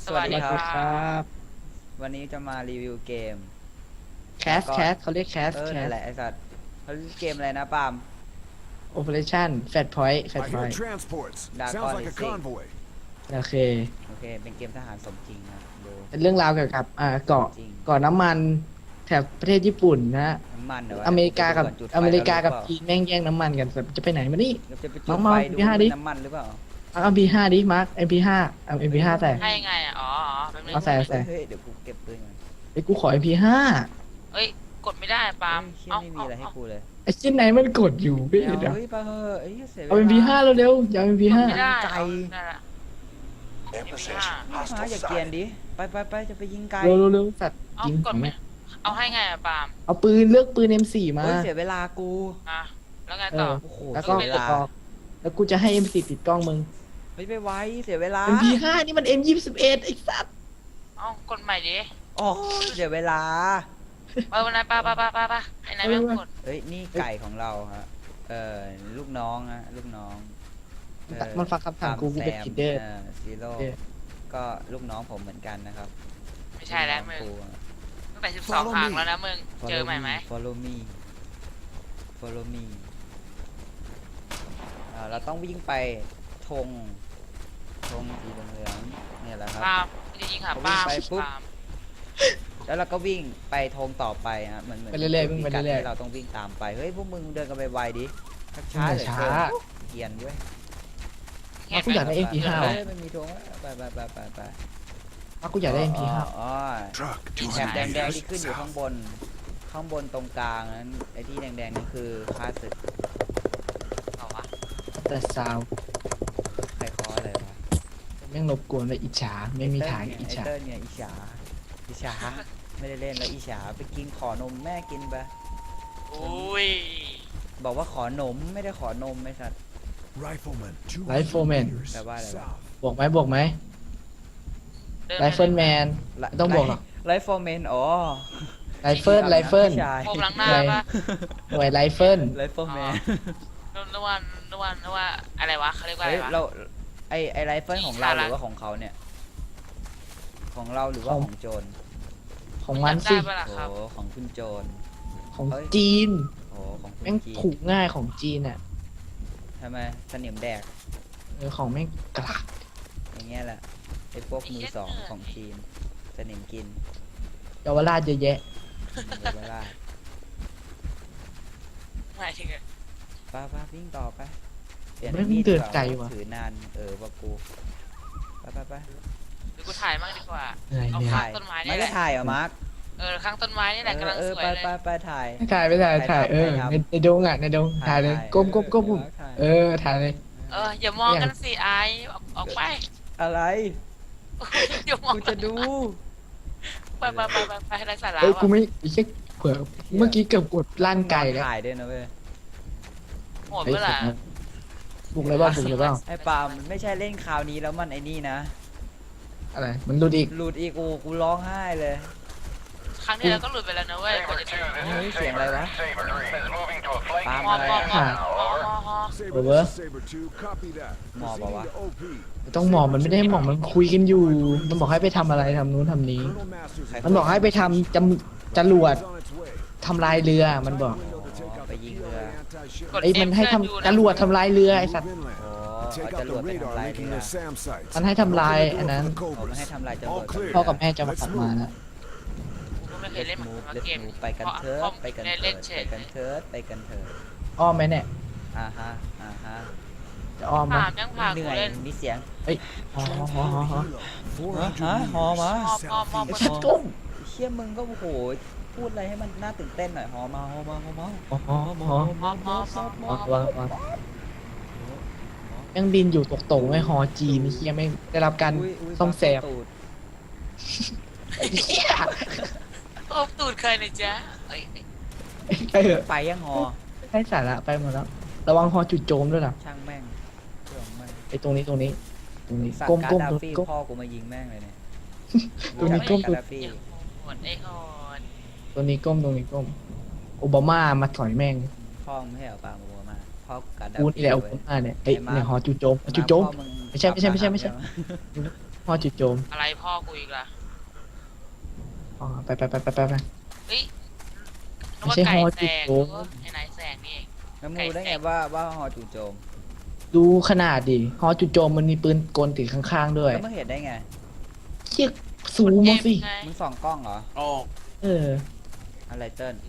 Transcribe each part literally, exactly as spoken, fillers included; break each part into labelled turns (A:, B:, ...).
A: สวัสดีครับ
B: ครับ
A: วันนี้จะมารีวิวเกม
B: แคสแคสเขาเรียกแคส
A: เออ
B: แคส
A: นั่นแหละไอสัตว์เขาเรียกเกมอะไรนะปาล์ม
B: โอเปอเรชั่นแฟตพอยต์แฟต
C: I
B: พอ
C: hear
B: ยต์
C: transports.
A: Dark
C: Sounds like a
A: Odyssey.
C: convoy.
B: โอเค
A: โอเคเป็นเกมทหารสมจริงนะดู
B: เป็นเรื่องราวเกี่ยวกับอ่าเกาะ
A: จริง
B: เกาะน้ำมันแถบประเทศญี่ปุ่นนะฮะ
A: น้ำมันเหรอวะ
B: อเมริกากับ
A: จุดไฟ
B: อเมริกากับ
A: แล้วห
B: จีนแม่งแย่งน้ำมันกันแบบจะไปไหนมานี่
A: รือเปล่าเราจะไป
B: น้
A: จุ
B: อ
A: ด
B: ง
A: ไฟ
B: มา
A: ดู
B: พี่ห้าดิ
A: น้ำมันหรือเปล่า
B: เอา เอ็ม พี ห้า ดิมาร์ค เอ็ม พี ห้า เอา เอ็ม พี ห้า แต่
D: ให้ยังไงอ่ะ อ๋ออ๋อแป๊บนึง
B: เอาใส่ใส่
A: เฮ้ยเดี๋ยวกูเก็บปืนก่อน
B: ไอ้กูขอ เอ็ม พี ห้า
D: เอ้ย กดไม่ได้ปาล์ม
A: เฮ้ยเชี่ยไม่มีอะไรให้กูเลย
B: ไอ้ชิ้นไหนมันกดอยู่พี่
A: ไม่
B: เดี๋ยว
A: เอาเฮ้ยปาเฮ้ยเอ้ยเสียเวลา
B: เอา เอ็ม พี ห้า เร็วๆอย่าเอา เอ็ม พี ห้า
D: ไม่ได้
A: ไกล
D: เอาได้ละ
C: Emphasis.
A: มาอย่าเกรียนดิไปไปไปจะไปยิงไกล
B: เร็วๆเร็วๆสัตว์
D: เอา
B: ยิง
D: กดไม่เอาให้ไงอ่ะปาล์ม
B: เอาปืนเลือกปืน เอ็ม โฟร์ มา
A: เฮ้ยเสียเวลากู
D: อ่ะแล้วไง
B: เอ
D: ต่อ
B: อ
A: โอ้โห
B: แล้วก็
A: เสียเว
B: กด
A: ลา
B: ออกแล้วกูจะให้ เอ็ม โฟร์ ติดกล้องมึง
A: เฮ้ยไปไวเสียเวลา
B: เอ็ม พี ห้า นี่มัน เอ็ม ยี่สิบเอ็ด ไอ้สัตว์
D: เอากดใหม่ดิ
A: โอ้ยเสียเวลา
D: ไปวันไหนป้าป้าป้าป้าป้าไอ้นายไม่กด
A: เฮ้ยนี่ไก่ของเราฮะเออลูกน้องฮะลูกน้องเออ
B: มันฟังคำสั่งกูกูเป็น
A: ตามแซม
B: ลีดเดอร์
A: ซีโร่
B: เออ
A: ก็ลูกน้องผมเหมือนกันนะครับ
D: ไม่ใช่แล้วมึง
A: ลูกน้อง
D: ตั้งแต่สิบสองครั้งแล้วนะมึง
A: กู
D: เจอใหม่ไหม
A: follow me follow me อ่าเราต้องวิ่งไปธงธงสีเหลืองๆเนี่ยแหละครับ
D: ปาล์มจะยิงหาปาล์ม
A: ไปปุ๊บ
D: ปาล์ม
A: แล้วเราก็วิ่งไปธงต่อไปฮะเหมือนเหมือน
B: ไปเรื่อยๆวิ่งไป
A: พิกัด
B: เรื่อยๆ
A: ที่เราต้องวิ่งตามไปเฮ้ยพวกมึงเดินกันไปไวๆดิช้าๆเหลือ
B: ช้า
A: เกินเกรียนเว้ย
B: เอากูอยากได้ เอ็ม พี ห้า
A: เฮ้
B: ว่ะ
A: ยมันมีธงแล้วไปไปไปไปไป
B: เอากูอยากได้ เอ็ม พี ห้า
A: อ๋อ
C: Truck.
A: แถบ
C: two
A: แด
C: hundred
A: งๆที่ขึ้น
C: meters
A: อยู่ข้าง
C: south.
A: บน ข้างบนตรงกลางนั้นไอ้ที่แดงๆนี่คือค่าศึก
D: เอาวะ
B: แต่ซาว
A: ใครคออะไรวะ
B: แม่งรบกวนเลยอิจฉาไม่มีทาง
A: ไอ้
B: อิจ
A: เติ้
B: ฉา
A: ลเนี่ยอิจฉาอิจฉาไม่ได้เล่นแล้วอิจฉาไปกินขอนมแม่กินไป
D: อุ้ย
A: บอกว่าขอนมไม่ได้ขอนมไม่สัตว์
C: Rifleman. two
B: ไลฟ์โฟร์แมน
C: hundred meters
A: แปลว่าอะไรวะ
C: south.
B: บวกไหมบวกไหม
D: เดิน
B: ไรเฟิลแมน ไม่ต้องบอกหรอก
A: ไลฟ์ฟอร์เมนอ๋อ
B: ไรเฟิลไรเฟิล
A: ผู้ชาย
D: โผมหลังหน้าปะ
B: หน่วยไรเฟิล
A: ไลฟ์ฟอร์แมน
D: นึกว่านึกว่านึกว่าอะไรวะเขาเรียกว่าอะ
A: เฮ้
D: ไร
A: ยว
D: ะ
A: เราไอไอไลฟ์เฟิลของเรา
D: อี
A: ห
D: สาระ
A: รือว่าของเขาเนี่ย ของเราหรือว่าของโจร
B: ของมัน
D: ได้
B: สิ
D: ปะล่ะ
A: โอ้
D: ครับ
A: ของคุณโจร
B: ของจีน
A: โอ้ของคุณ
B: แม่ง
A: จีน
B: ถูกง่ายของจีนอ่ะ
A: ทำไมสนิมแดก
B: เออของแม่งกลาก
A: อย่างเงี้ยแหละไอพวกมือสองของจีนสนิมกิน
B: เยาวราชเยอะแยะ
A: เดี๋ยวเวลา
D: หมายถึง
A: ป้าป้าวิ่งต่อไปเปลี่ยน
B: แม่ง
A: มีด
B: เดิน
A: ดีว่า
B: ไกลว่ะ
A: ถือนานเออว่ากูไปไปไป
D: เดี๋ยวกูถ่ายมั่งดีกว่า
B: เหนื่อย
D: เอา
B: เนี่ย
D: ข้าง
A: ถ่าย
D: ต้นไม้
A: ไม่
D: นี่แห
A: ได้
D: ละ
A: ถ่ายเหรอมาร์ค
D: เออข้างต้นไม้นี่แหละกำลัง
A: เออ
D: สวย
A: ไป
D: เลย
A: ไปไปถ่าย
B: ถ่ายไปถ่ายถ่ายเออ
A: ถ่าย
B: ใน
A: ทำ
B: ในดงอ่ะในดงถ่ายเลยก้มก้มก้มก้ม
A: ถ่าย
B: เออถ่ายเลย
D: เอออย่ามองกันสิไอออกออกไป
A: อะไร
D: อย่ามอง
A: กูจะดู
D: ไปไปไปไปไปให้ไรสาระ
B: เอ้ยกู
D: ว่ะ
B: ไม่ไอ้เช็คเผื่อเมื่อกี้เกือบกดลั่นไก่แล้ว
A: ถ่ายด้วยนะเว้ย
D: โหดเมื่อไหร่
B: บุกเลยบ้าบุกเลยบ้า
A: ไอ้ปาล์มมันไม่ใช่เล่นคราวนี้แล้วมันไอ้นี่นะ
B: อะไรมันดูอีก
A: หลุดอีกกูกูร้องไห้เลย
D: ครั้งนี้เราก็หลุดไปแล้วนะเว้ยกว่าจะถึง
A: เฮ้ยเสียงอะไรวะปาล์ม
D: มอ
A: อะไร
D: มอ
A: อะ
D: มอมอมอ
C: Saber,
B: Over.
C: this is Saber two. Copy that.
A: Mò bảo
C: Proceeding
A: à?
C: to O P.
B: ไม่ต้องหมอบมันไม่ได้หมอบมันคุยกันอยู่ มันบอกให้ไปทำอะไรทำนู้นทำนี้
C: Colonel Masters is
B: มันบอกให้ไปทำจำจรวด
C: on its way.
B: ทำลายเรือมันบอก
C: Window to take out the
A: Phải
C: P L A
A: dừng
C: anti-ship
D: กด
B: ไอ้ยมันให้ทำจรวดทำลายเรือไอ้สัตว์
C: move inland.
A: โอ้
C: Take
A: เอาจ
C: out
A: รว
C: the
A: ดไปทำ
C: radar
A: ลาย
C: linking
A: เรือ
C: their SAM sites.
B: มันให้ทำลายอันนั้น
C: Open the door
A: ผม
C: for
A: ไม่
C: the
A: ให้
C: Cobras.
A: ทำลายจรว
C: All
A: ด
C: clear.
B: พ่อกับแม่จะมาขับมาแล้ว
D: กูก็ไม่เคยเล่น
A: มูฟ
D: มา
A: เล
D: เก
A: ส
D: ม
A: มูฟไปกันเถิดไปกัน
D: เล่น
A: เถิ
D: เล่
A: ด
D: นเฉ
A: ไป
D: ย
A: กันเถิดไปกันเถิด
B: อ้อมไหมเนี่ย
A: อ่าฮะอ่าฮะ
B: จะอ้อมไหม
D: ผ่านยังผ่าน
A: เห
D: กู
A: นื่อย
D: เล่น
A: มีเสียง
B: อ๋ออ๋ออ๋ออ๋อ
C: four
A: ฮะ
C: hundred
A: ฮอมา
C: meters
D: มอมอม
B: ไอ้
C: southeast.
B: สัตว์ก้ม
A: เชี่ยมึงก็โอ้โหพูดอะไรให้มันน่าตื่นเต้นหน่อยฮอมาฮอมาฮอมา
B: อ๋ออ๋ออ๋อ
D: มอมอมอม
B: อ๋อวางวางยังบินอยู่ตกตรงไอ้ฮอจีนเฮียไม่ได้รับการ
A: อุ้ยอุ้ย
B: ซ่อมแซม
A: ตูด
B: ไอ้เฮีย
D: โอ้ตูดเคยนะจ๊ะเอ้ย
B: ไปเถอะ
A: ไปยังฮอ
B: ได้สาระไปหมดแล้ว ระวังฮอจุดโจมด้วยนะ
A: ช่างแม่งเครื่องแม่ง
B: ไอ้ตรงนี้ตรงนี้ตรงนี้
A: สั่ง
B: ก้ม
A: การ
B: ก้ม
A: ดา
B: ตรง
A: ฟี่
B: ก้ม
A: พ่อกูมายิงแม่งเลยเนี่ย
B: ตรงนี้ก้ม
A: การดาฟี่
D: ไอ้โหดไอ้โหด
B: ตรงนี้ก้มตรงนี้ก้มโอบามามาถอยแม่ง
A: พ่อมึงไม่ให้เอาปลาโมมาพ่อการดา
B: กู
A: ฟี่
B: นี่แหละโอ
A: เว้ย
B: บามาเนี่ยไอ้
A: ไอ้มา
B: เนี่ยฮอจุดโจมจุดโจม
A: พ่อมึง
B: ไม่ใช่ไม่ใช่ไม่ใช่ไม่ใช่
A: ฮ
B: ฮอจุดโจม
D: อะไรพ่อกูอีกล่ะ
B: อ๋อไปไปไปไปไปไป
D: เฮ้ยนึก
B: ไม่
D: ว่า
B: ใช่
D: ไก่
B: ฮอ
D: แส
B: จุด
D: ง
B: โจ
D: นึ
B: ม
D: กว่าไอ้นายแสงนี่เอง
A: แล้วมูได้ไงว่าว่าฮอจู่โจม
B: ดูขนาดดิฮอจุดโจมมันมีปืนกลติดข้างๆด้วย
A: แล้วมึงเห็นได้ไง
B: เชี่ยสูงมาสิ
D: ไง
A: มึงส่องกล้องเหรอ
E: โอ้
B: เออ
A: อะไรเติ้ล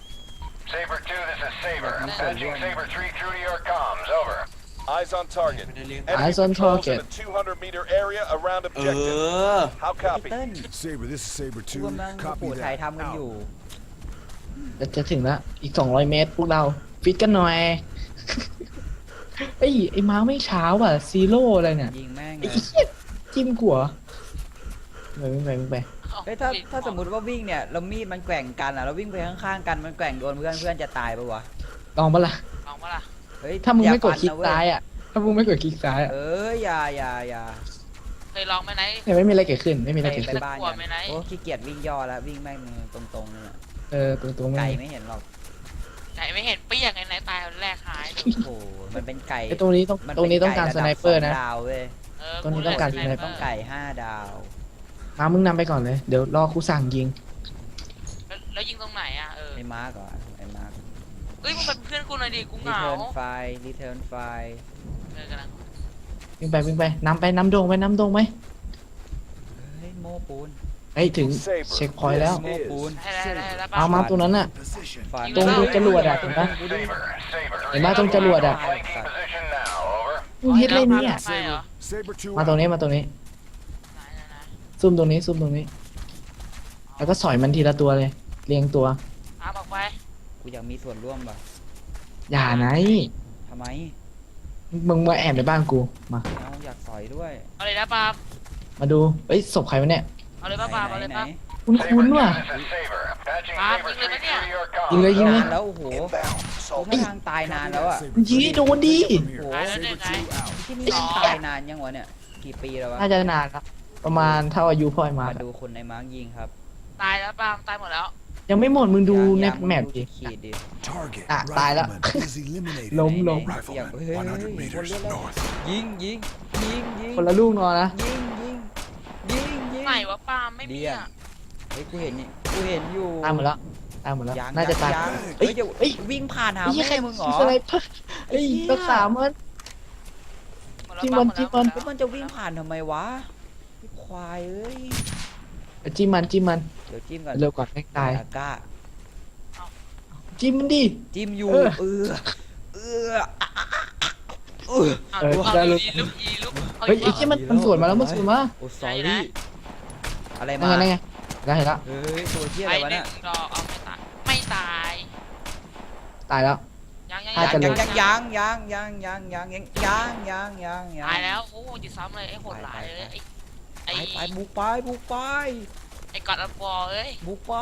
F: Saber two, this is Saber.
A: Yeah,
F: Patching Saber three through to your comms. Over.
C: Eyes on target.
E: ไม่ได้เลี้ยง
C: Enemy
B: Eyes on
C: patrols
B: target.
C: in a two hundred meter area around
E: เอ
C: objective.
E: อ
C: How
A: ไอ้
C: copy?
A: เติ้ล
C: Saber, this is Saber
A: กู
C: two.
A: กำลัง
C: Copy
A: ปู่ถ่าย
C: that.
A: ทำกันอยู่
B: จะจะถึงแล้วอีกสองร้อยเมตรพวกเรา ฟิตกันหน่อย ไอ้ยไอ้ม้าไม่เช้าอ่ะซีโร่อะไรเนี่ย
A: ยิงแม่ง
B: ไอ้
A: เลย
B: เหี้ยจิ้มกัวไปไปไปไป
A: เฮ้ยถ้าถ้าสมมติว่าวิ่งเนี่ยเรามีดมันแกว่งกันอ่ะเราวิ่งไปข้างๆกันมันแกว่งโดนเพื่อนเพื่อนจะตายปะวะ
B: ลองปะล่ะ
D: ลองปะล่ะ
A: เฮ้ย
B: ถ้ามึง
A: อย่
B: ไม่กด
A: ฟัน
B: คลิก
A: นะเว้
B: ซ้ายอ่ะ ถ้ามึงไม่กดคลิกซ้ายอ่ะ
A: เอออย่าอย่าอย่า
D: เคยลองไหมไหน
B: เนี่ยไม่มีอะไรเกิดขึ้น ไม่มีอะไร
A: ไป
B: เกิด
A: ไป
B: ขึ้น
A: บ้าน
D: กลัว
A: กัน
D: ไหมไหน
A: โอ้ขี้เกียจวิ่งย่อแล้ววิ่งแม่งตรงๆเนี่ย
B: เออตัวตัวมึง
A: ไก่ไม่เห็นหรอก
D: ไหนไม่เห็นเปี้ยงไงไหนตายคนแรกหายเลย
A: โอ้โหมันเป็นไก่
B: ไอ้ตรงนี้ต้อง
A: มั
B: ตรงนี้ต้องการ
A: ป็
B: สไนเปอร์นะ
A: ไก่ดาวเว้ย
D: เออ
B: ตอนนี้ต้องการ
D: กู
B: สไนเปอร์
A: ต้องไก่ห้าดาว
B: มามึงนำไปก่อนเลย เดี๋ยวรอกูสั่งยิง
D: แล้วแล้วยิงตรงไหนอ่ะเออ
A: ไอ้มาร์กก่อนไอ้มาร์ก
D: เอ้ยมึงเป็นเพื่อนกูหน่อยดิกูเหงา
A: return file return file
D: เออกำลัง
B: วิ่งไปวิ่งไปนำไปน้ำโดงไปน้ำโดงไหม
A: เฮ้ยโม้ปูน
B: เฮ้ยถึงเช็คพอยต์แล้ว
A: โม้ปูน
D: ได้ได้ได้แล้ว
B: เอามาตรงนั้นน่ะ
C: Position.
A: ฟัน
B: ตรงดูจรวดอะเห็นปะ
F: Saber, Saber.
B: เห็นปะตรงจรวดอะ
F: Flanking position now. Over.
B: มึงเฮ็ดอะไรเนี่ย
D: ใช่เหรอ
C: Saber two.
B: มาตรง
C: out.
B: นี้มาตรงนี้
D: ไหนไหนไหน
B: ซุ่มตรงนี้ซุ่มตรงนี้ แล้วก็สอยมันทีละตัวเลย เรียงตัว
D: ตามออกไป
A: กูอยากมีส่วนร่วมว่ะ
B: อย่าไหน
A: ทำไม
B: มึงมาแอบในบ้านกู มา
A: เอาอยากสอยด้วย
D: เอาเลยนะปาล์ม
B: มาดู เอ้ยศพใครวะเนี่ย
D: เอาเลยป่ะปาล์มเอาเลย
A: ไหน
D: ป่ะ
B: คุ้น
F: Saber
B: คุ้น
F: two,
B: ว่ะ
F: this is Saber. Patching
D: Ah,
F: Saber
D: ยิงเลย
F: three
D: ปะเนี่ย
F: through to your
B: ยิงเลย
F: comms.
B: ยิงเลย
A: นานแล้วโอ้โห
C: Inbound.
A: กู
C: Assault.
A: ไม่ทางตายนานแล้วอ่ะ
C: Saber
B: ยิงให้โดนดิ
C: from here.
A: โอ้โห
D: ตายแล้วเนี่ยไง
C: out.
A: ที่นี่มันตายนานยังวะเนี่ยกี่ปีแล้ววะ
B: น่าจะนานละประมาณเท่าอายุพ่อยมา
A: มาดูคนในมาร์กยิงครับ
D: ตายแล้วปาล์มตายหมดแล้ว
B: ยังไม่หมดมึงดูใน
A: ยังยัง
B: แมป
A: ง
B: ดิ
A: ขีดดิ
C: Target.
B: Ah, tayo lang.
C: Rifleman is eliminated.
B: ล้มล้ม
A: ไหน
C: Rifleman,
A: เฮ้ย
C: one hundred
A: เฮ้ย
C: meters
A: คนเล่นแล้ว
C: north.
A: ยิงยิงยิงยิง
B: คนละลูกนอนนะ
A: ยิงยิงยิงยิง
D: ไหนวะปาล์มไม่มี
A: เดีย
D: อ่ะ
A: เฮ้ยกูเห็นนี่กูเห็นอยู่
B: ตายหมดแล้วตายหมดแล้ว
A: ยัง
B: น่าจะตาย
A: ง
B: เฮ้
A: เฮ้
B: ย
A: ยเดี๋ยว
B: เฮ้ย
A: วิ่งผ่านหา
B: ไอ้เหี้ยใคร
A: แม่มึงเหรอ
B: อะไรเพิ่เฮ้ย
A: ไอ้เหี้ย
B: รักษามัน
D: หมดแล้ว
B: จิ้มมัน
D: ปาล์
B: จิ้มมัน
D: หด
A: แล้ว
D: แล้
A: มันจะวิ่งผ่านทำไมวะไอ้ควายเอ้ย
B: จิ้มมันจิ้มมัน
A: เดี๋ยวจิ้มก่อน
B: เร็วก่อนไม่ตาย
A: อากา
B: จิ้มมันดิ
A: จิ้มอยู่
B: เออ
A: เออเอออ่ะอ่ะอ่ะเออ
D: เอา
B: เออ
D: เอา
B: ได้เลย
D: อีลุกอีลุกอา
B: เฮ้ย
D: อี
B: ไอ้
D: ก
B: ที่มันมันสวนมาแล้วมันสวนมา
A: โอ้
D: ไห
A: sorry
D: น
A: อะไร
B: นั่
A: มาน
B: ไงนั่นไงได้เห็นแล้ว
A: เฮ้ยตัวเที่ย
D: ไป
A: อะไรวะ
D: หนึ่
A: เนี่ย
D: งดอกเอาไม่ตาย ไม่ตาย
B: ตายแล้ว
D: ยังยัง
B: ถ้าจะ
A: ยัง
B: เลย
A: ยังยังยังยังยังยังยังยังยังยัง
D: ตายแล้วโอ้จะซ้ำเลยไอ้โหดหลายเลยไอ้
A: ไป
D: ไอ้
A: ไปบุกไปบุกไป
D: ไอ้กอดอัลบอลเอ้ย
A: บุกไป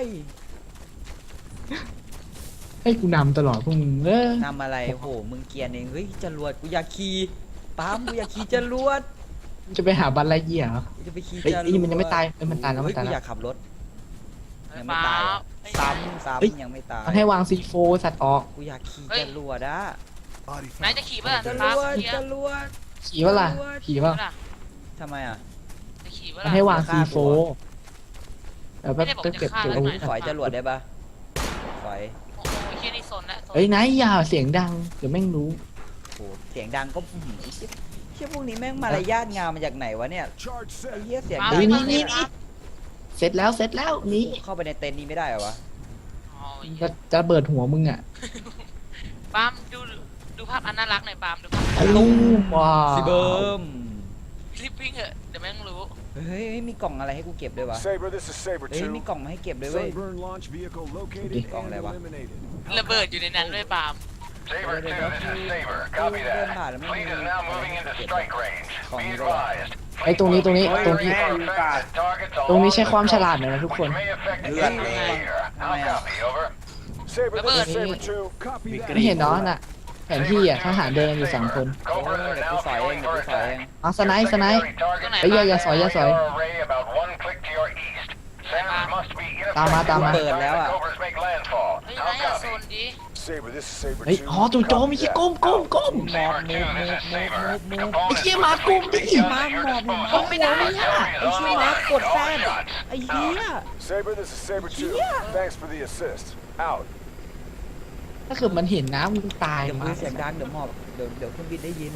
B: ให้กูนำตลอดพวกมึงเออน
A: ำอะไรโหมึงเกรียนเองเฮ้ยจรวดกูอยากขี่ปั๊มกูอยากขี่จรวด
B: มึงจะไปหาบัลไลเยียเหรอ
A: กูจะไปขี่
B: เฮ้ย
A: จรวด
B: ไอ้นี่มันยังไม่ตายเอ้ยมันตายแล้วมัน
A: เฮ้
B: ตาย
A: กู
B: แล้ว
A: อยากขับรถ
D: เอ้
A: ยั
D: ย
A: งไม่
D: ปา
A: ตาย
D: ล์
A: อะ
D: ม
A: ซ้ำซ้
B: เฮ้ย
A: ำยังไม่ตาย
B: มันให้วางซีโฟสัตว์ออก
A: กูอยากขี่
D: เฮ้ย
A: จรวดอะ
C: Body
D: นาย
C: found.
D: จะขี่ป่ะ
A: จร
D: ปาล์ม
A: วด
D: ขี่
A: จ
D: อะ
A: รวด
B: ขี่ป่ะล่ะขี่ป่ะ
D: ล่ะ
A: ทำไมอ่ะ
D: จะขี่ป่ะ
B: มัน
D: ล่ะ
B: ให้วาง
A: ฆ่า
B: ซี
A: กู
B: โฟ
A: เหรอ
B: แล้วก็
D: ไม่ได้บอก
B: เก็บ
D: จะฆ่า
B: เก็บอาวุธ
D: แล้วหน่อย
A: สอยจรวดได้ปะสอย
D: โอ้โหเฮียนี่สนแล้วสน
B: เฮ้ยนายอย่าเสียงดังเดี๋ยวแม่งรู้
A: โหเสียงดังก็อื้อหือเชี่ยเชี่ยพวกนี้แม่งมารยาทงามมาจากไหนวะเนี่ย
C: Charge
A: ไอ้
C: set.
A: เหี้ยเสียง
D: ปาล์
A: ดั
D: ม
A: ง
B: นี่
D: ไม่
B: นี่
D: ต้อง
B: นี่
D: เล่น
B: เสร็จแล้วเสร็จแล้วหนี่
A: เข้าไปในเต็นท์นี้ไม่ได้เหรอวะ
D: อ๋อเหี้
B: จะ
D: ย
B: จะเบิดหัวมึงอ่ะ
D: ปาล์มดูดูภาพอันน่ารักหน่อยปาล์มดูภาพ
B: ตุ้มว้าว
A: สิเบิม
D: รีบวิ่งเถอะเดี๋ยวแม่งรู้
A: เฮ้ยมีกล่องอะไรให้กูเก็บด้วยวะ
C: Saber, this is Saber
A: เฮ้ยมี
C: two.
A: กล่องมาให้เก็บด้วยเว้ย
C: Sunburn launch vehicle located
A: Đi, còn
C: and
A: lại bà.
C: eliminated.
D: ระเบิดอยู่ในนั้นด้วยปาล์ม
F: Saber two, this is Saber. Copy that. Fleet is now moving into strike range. Be advised.
B: ไอ้ตรงนี้ตรงนี้ตรงนี้
F: Targets
B: ตรงนี้
F: along
B: ใช้ความ
F: the
B: ฉ
F: coast,
B: ลาดหน่อยนะทุกคน
F: which may affect the
A: Lượt
F: atmosphere.
A: đi.
F: How copy? Over.
C: Saber, this is
D: ระเบิด
C: Saber two. Copy
E: Bị
C: that.
B: ไม่เห็นเนาะน่ะแผนที่อ่ะทหารเดินอยู่สองคน
F: Cobras
A: เออ
F: are
A: เดี๋ยวกู
F: now
A: สอยเอง
F: fueling
A: เดี๋ยว
F: for
A: กูสอยเอง
F: attack.
B: เอาสไนป์สไนป์
F: Secondary targets
B: เฮ้ยอย่าอย่าสอยอย่าสอย
F: radar array about one click to your east. Senders must be
B: ตามมาตามมา
F: ineffective by the time
A: เปิดแล้ว
F: the
A: อะ
F: Cobras make landfall.
D: เฮ้ย
F: How
D: นายอย่าโซ
F: copy?
D: นดิ
C: Saber, this is Saber
B: เฮ้ย
C: two.
B: อ๋อจู่โจมไอ้
C: Copy
B: เหี้ย
C: that.
B: ก้มก้มก้ม
F: Saber two, this is Saber. The
B: ไอ้
F: component
B: เหี้ยหมากลุ่มดิ
F: beacon
A: มา
F: at
A: ห
F: your
A: มอบหม
F: disposal.
A: อบไม่ได้อะ
F: Victory
A: ไอ้
F: is
A: ชื่อ
F: on
A: มา
F: the
A: กด
F: line.
A: แซ
F: All
A: ด
F: shots.
A: ไอ้เหี้ย
C: Saber, this is Saber two.
A: Yeah.
C: Thanks for the assist. Out.
B: ถ้าเกิดมันเห็นนะมึงตาย
A: เดี๋ยวมื
B: มา
A: อเสียงดังเดี๋ยวหมอบเดี๋ยวเดี๋ยวคุณบินได้ยิน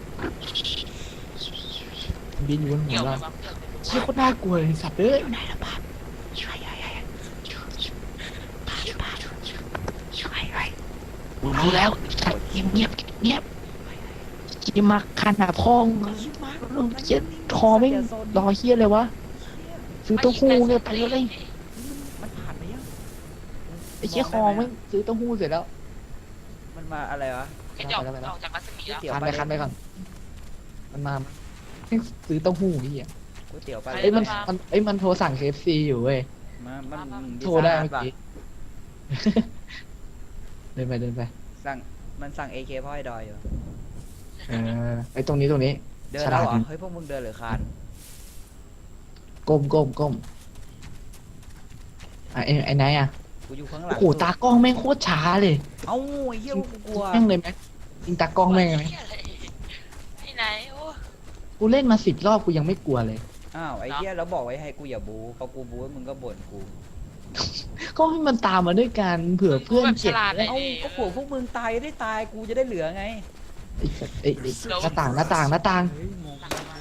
B: บินอยู่บนหั
D: เกี่ยว วไหม
B: เรา
D: วะเกี่ยวไหม
B: เชี่ยโคตรน่ากลัวเลยสัตว์เอ้ยนายละบาทช่วยช่วยช่วยช่วยกูรู้แล้วสัตว์เงียบเงียบเงียบกินมาคันหาพองลูกเจ็ดคอไม่รอเฮียเลยวะซื้อเต้าหู้เนี่ยไปเลย
A: มันผ่านไปยัง
B: ไอ้เชี่ยคอไม่ซื้อเต้าหู้เสร็จแล้ว
A: มันมาอะไรวะ
D: ไอ้จอกออกจากรัศมีแล้ว
A: เดี๋ยว
B: คัน
A: ไป
B: ไปคันไปก่อนมันมาให้ซื้อเต้าหู้ไอ้เฮีย
A: ก๋วยเตี๋ยวไป
B: เอ้ยมันมันเอ้ยมันโทรสั่ง เค เอฟ ซี อยู่เว้ย
A: มามัน
B: โทรได้
A: พิซ
B: เมื่อ
A: ซ่าฮัทปะ
B: กี้ เดินไปเดินไป
A: สั่งมันสั่ง เอ เค พ่อไอ้ดอยอยู่
B: เออไอ้ตรงนี้ตรงนี้
A: เดิน
B: ฉ
A: แล้ว
B: ลาด
A: เหรอ
B: ดี
A: เฮ้ยพวกมึงเดินหรือคาน
B: ก้มก้มก้มอ่ะไอ้ไอ้ไหนอ่ะ
A: กูอยู่ข้างหลั
B: โอ้
A: ง
B: โหตากล้องแม่งโคตรช้าเลย
A: เอ้าไอ้เหี้ยกูกลัว
B: แม่งเลยไหมยิงตากล้องแม่งเลยไหม
D: ไอ้ไหนโอ้
B: กูเล่นมาสิบรอบกูยังไม่กลัวเลย
A: อ้าวไอ้เหี้ยแล้วบอกไว้ให้กูอย่าบูพอกูบูมึงก็บ่นกู
B: ก็ให้มันตามมาด้วยกันเผื่อเพื่อน
D: แบบฉ
B: เจ็บ
D: ลาดเลย
A: เอ้าก็ผัวพวกมึงตายได้ตายกูจะได้เหลือไง
B: ไอ้สัตว์ไอ้ไอ้หน้าต่างหน้าต่างหน้าต่าง
A: เฮ้ยมอง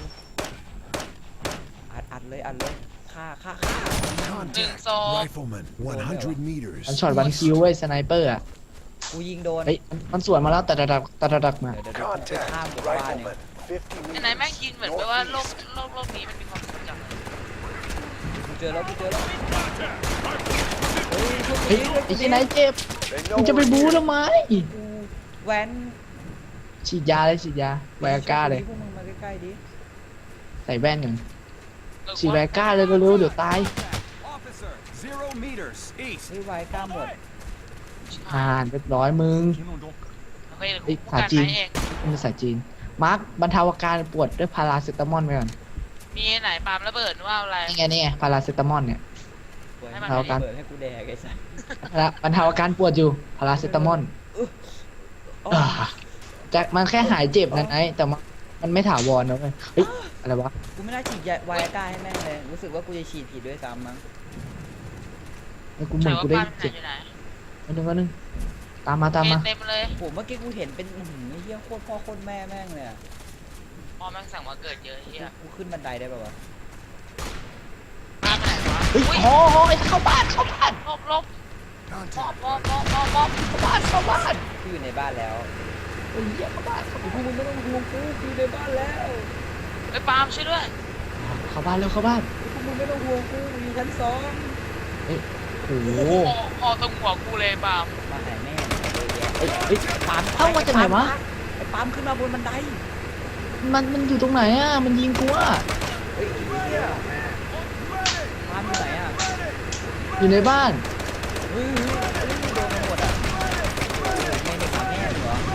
A: อัดอัดเลยอัดเลยฆ่าฆ่าฆ่า
D: หนึ่งสอง
C: Rifleman, one hundred meters.
B: มันช็อตวันคิวเว้ยสไนเปอร์อ่ะ
A: กูยิงโดน
B: เฮ้ยมันมันสวนมาแล้วตัดตัดตัดตัดตัดมา
A: เดี๋ยวเดี๋ยวเดี๋ยวกูไปข้าม
C: Contact.
A: หมู่บ้านเนี่ย
C: Rifleman, fifty
D: ไอ้ไหนแม่ง
C: meters.
D: ยินเหมือนแบบว่าโลกโลกโลกนี้มันมีความสุขจัง
A: กูเจอแล้วกูเจอแล้วเฮ้ยพวก
B: เฮ้ย
A: นี้
B: ไอ้ที่ไหนเจ็บ
C: They
B: มึ
C: know
B: งจะไป
C: we're
B: บู๊
C: here.
B: ทำไม
A: กูแว้น
B: ฉีดยาเลยฉีดยาไวอาก้าเลย
A: พวกมึงมาใกล้ๆดิ
B: ใส่แว่นกัน
D: เออ
B: ฉีดไวอาก้าเลยเร็วๆเดี๋ยวตาย
C: Officer, zero meters east.
A: เฮ้ยไวกล้าหมด
B: ผ่านเรียบร้อยมึง
D: เฮ้ย
B: เอ้ย
D: กู
B: ภาษา
D: การ
B: จีน
D: ไหนเอง
B: เป็นภาษาจีน มาร์คบรรเทาอาการปวดด้วยพาราเซตามอลไปก่อน
D: มีไหนปาล์มระเบิดหรือว่าอะไร
B: นี่ไงนี่ไงพาราเซตามอลเนี่ย
A: เปิด
D: ให้
A: ให้
D: มั
A: มัน น
B: กัน
A: เปิดให้กูแดกไอ้สัส
B: แล้วบรรเทาอาการปวดอยู่พาราเซตามอล
A: อ๋อ
B: อ่าแต่มันแค่หายเจ็บนะไอ้แต่มันมันไม่ถาวรนะเว้ยเฮ้ยอะไรวะ
A: กูไม่น่าฉีดยาไวอาก้าให้แม่งเลยรู้สึกว่ากูจะฉีดผิดด้วยซ้ำมั้ง
B: ไอ้กูเหมือนกูได้
D: ปาล์มไหน
B: เจ็บ
D: อยู่ไหน
B: อันนึงอันนึงตามมาตามมา
D: เต็มเลย
A: ผมเมื่อกี้กูเห็นเป็นอื้อหือไอ้เหี้ยโคตรพ่อโคตรแม่แม่งเลยอะ
D: พอแม่งสั่งมาเกิดเยอะเฮีย
A: กูขึ้นบันไดได้ป่าวะ
D: ปาล์มไปไหนวะ
B: เฮ้ย
D: อุ้ย
B: โอ้โหเข้าบ้านเข้าบ้าน
D: ลบลบมอบ
C: Contact.
D: มอบมอบมอบมอบ
B: เข้าบ้านเข้าบ้าน
A: กูอยู่ในบ้านแล้ว
B: เฮ้ยเหี้ยเข้าบ้านเข้า
A: พว
B: บ้าก น
A: มึงไม่ต้องห่วงกูกูอยู่ในบ้านแล้ว
D: ไอ้ยปาล์มช่วยด้วย
B: เข้าบ้านเร็วเข้าบ้าน
A: พวกมึงไม่ต้องห่วงกูกูอยู่ชั้นสอง
B: โอ้โห
D: โอ้พอตรงหัวกูเลยปาล์ม
A: มาหาแม่เยอะแยะ
B: เฮ้ยเฮ้ย
A: ปาล์ม
B: เข้ามาจากไหนวะ
A: ไอ้ปาล์มขึ้นมาบนบันได
B: มันมันอยู่ตรงไหนอ่ะมันยิงกูอ่ะ
A: เฮ้ยไอ้เหี้ยปาล์มอยู่ไหนอะ
B: อยู่ในบ้าน
A: เฮ้ยเฮ้ยเฮ้ยโดนไปหมดอะแม่เด็กหาแม่เหรอ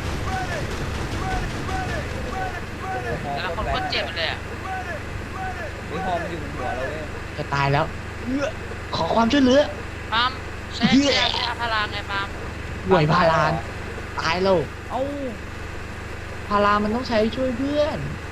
D: แต่ละคนก็เจ็บเลยอ่ะ
A: เฮ้ยฮอมนอยู่บนหัวเราเว้ย
B: จะตายแล้วเอื้อขอความช่วยเหลือ
D: ปาล์มใช้
B: เหี้ย
D: ใช้ยาพาราไงปาล์ม
B: ห่วยพารานตายแล้ว
A: เอ้า
B: พารามันต้องใช้ช่วยเพื่อน
A: เ